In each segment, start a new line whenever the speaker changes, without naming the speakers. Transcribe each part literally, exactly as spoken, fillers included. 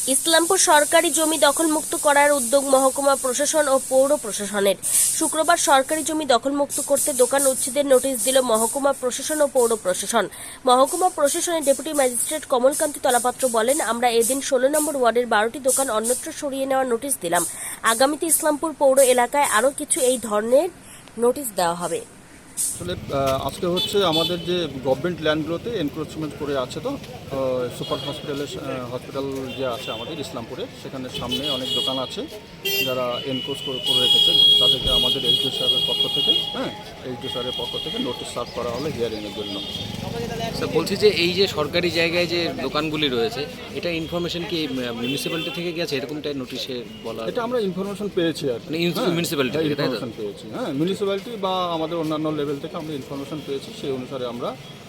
ইসলামপুর সরকারি জমি দখলমুক্ত করার উদ্যোগ মহকুমা প্রশাসন ও পৌর প্রশাসনের। শুক্রবার সরকারি জমি দখলমুক্ত করতে দোকান উচ্ছেদের নোটিশ দিল মহকুমা প্রশাসন ও পৌর প্রশাসন। মহকুমা প্রশাসনের ডেপুটি ম্যাজিস্ট্রেট কমলকান্তি তলাপাত্র বলেন, আমরা এদিন ষোলো নম্বর ওয়ার্ডের বারোটি দোকান অন্যত্র সরিয়ে নেওয়ার নোটিশ দিলাম। আগামীতে ইসলামপুর পৌর এলাকায় আরও কিছু এই ধরনের নোটিশ দেওয়া হবে।
আসলে আজকে হচ্ছে আমাদের যে গভর্নমেন্ট ল্যান্ডগুলোতে এনক্রোচমেন্ট করে আছে, তো সুপার হসপিটালের হসপিটাল যে আছে আমাদের ইসলামপুরে, সেখানে সামনে অনেক দোকান আছে যারা এনক্রোচ করে করে রেখেছে। তাদেরকে আমাদের এইচডিও সাহেবের পক্ষ থেকে হ্যাঁ এইচডিও সাহেবের পক্ষ থেকে নোটিশ সার্ভ করা হলো হিয়ারিংয়ের জন্য।
বলছি যে এই যে সরকারি জায়গায় যে দোকানগুলি রয়েছে, এটা ইনফরমেশন কি মিউনিসিপ্যালিটি থেকে গেছে? এরকমটাই নোটিশে বলা,
এটা আমরা ইনফরমেশন পেয়েছি আর
মানে মিউনিসিপ্যালিটি থেকে, তাই তো?
ইনফরমেশন পেয়েছি, হ্যাঁ মিউনিসিপ্যালিটি বা আমাদের অন্যান্য লেভেল থেকে আমরা ইনফরমেশন পেয়েছি। সেই অনুসারে আমরা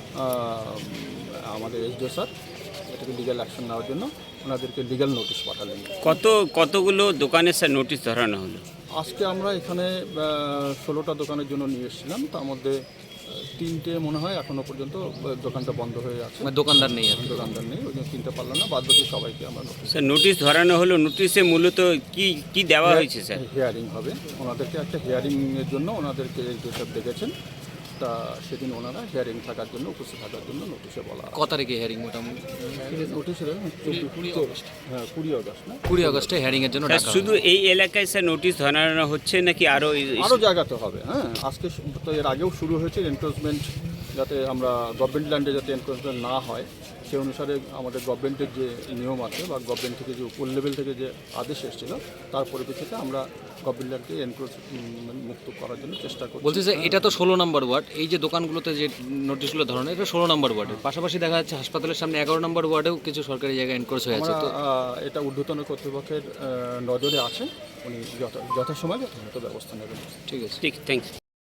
আমাদের এইচডিও স্যার এটাকে লিগ্যাল অ্যাকশন নেওয়ার জন্য ওনাদেরকে লিগ্যাল নোটিশ পাঠালেন।
কত কতগুলো দোকানের স্যার নোটিশ ধরানো হলো?
আজকে আমরা এখানে ষোলোটা দোকানের জন্য নিয়ে এসেছিলাম, তার মধ্যে তিনটে মনে হয় এখনো পর্যন্ত দোকানটা বন্ধ হয়ে আছে,
মানে দোকানদার নেই আর কি।
দোকানদার নেই, ওই জন্য কিনতে পারলাম না। বাদ বাকি সবাইকে আমরা নোটিশ
স্যার নোটিশ ধরানো হলো, নোটিশে মূলত কি কি দেওয়া হয়েছে স্যার?
হিয়ারিং হবে, ওনাদেরকে একটা হিয়ারিংয়ের জন্য ওনাদেরকে এইচডিও ডেকেছেন। তা সেদিন ওনারা হিয়ারিং থাকার জন্য উপস্থিত থাকার জন্য নোটিশে বলা।
কত তারিখে হেয়ারিং? মোটামুটি
নোটিশে হ্যাঁ কুড়ি আগস্ট না
কুড়ি আগস্টে হেয়ারিং এর জন্য
স্যার
ডাকা
শুধু এই এলাকায় স্যার নোটিশ ধরানো হচ্ছে নাকি আরও?
আরও জায়গাতে হবে। হ্যাঁ আজকে তো এর আগেও শুরু হয়েছে এনক্রোচমেন্ট, যাতে আমরা গভর্নমেন্ট ল্যান্ডে যাতে এনক্রোচমেন্ট না হয় সেই অনুসারে আমাদের গভর্নমেন্টের যে নিয়ম আছে বা গভর্নমেন্ট থেকে যে উপর লেভেল থেকে যে আদেশ এসেছিল, তার পরিপ্রেক্ষিতে আমরা গভর্নমেন্ট ল্যান্ডকে এনক্রোচমেন্ট মুক্ত করার জন্য চেষ্টা করছি।
বলছি যে এটা তো ষোলো নম্বর ওয়ার্ড, এই যে দোকানগুলোতে যে নোটিশগুলো ধরানো, এটা ষোলো নম্বর ওয়ার্ডের পাশাপাশি দেখা যাচ্ছে হাসপাতালের সামনে এগারো নম্বর ওয়ার্ডেও কিছু সরকারি জায়গায় এনক্রোচ হয়ে আছে।
আমরা
তো
এটা ঊর্ধ্বতন কর্তৃপক্ষের নজরে আছে, উনি যথা যথাসময় যথাযথ ব্যবস্থা নেবেন।
ঠিক আছে,
ঠিক, থ্যাংকস।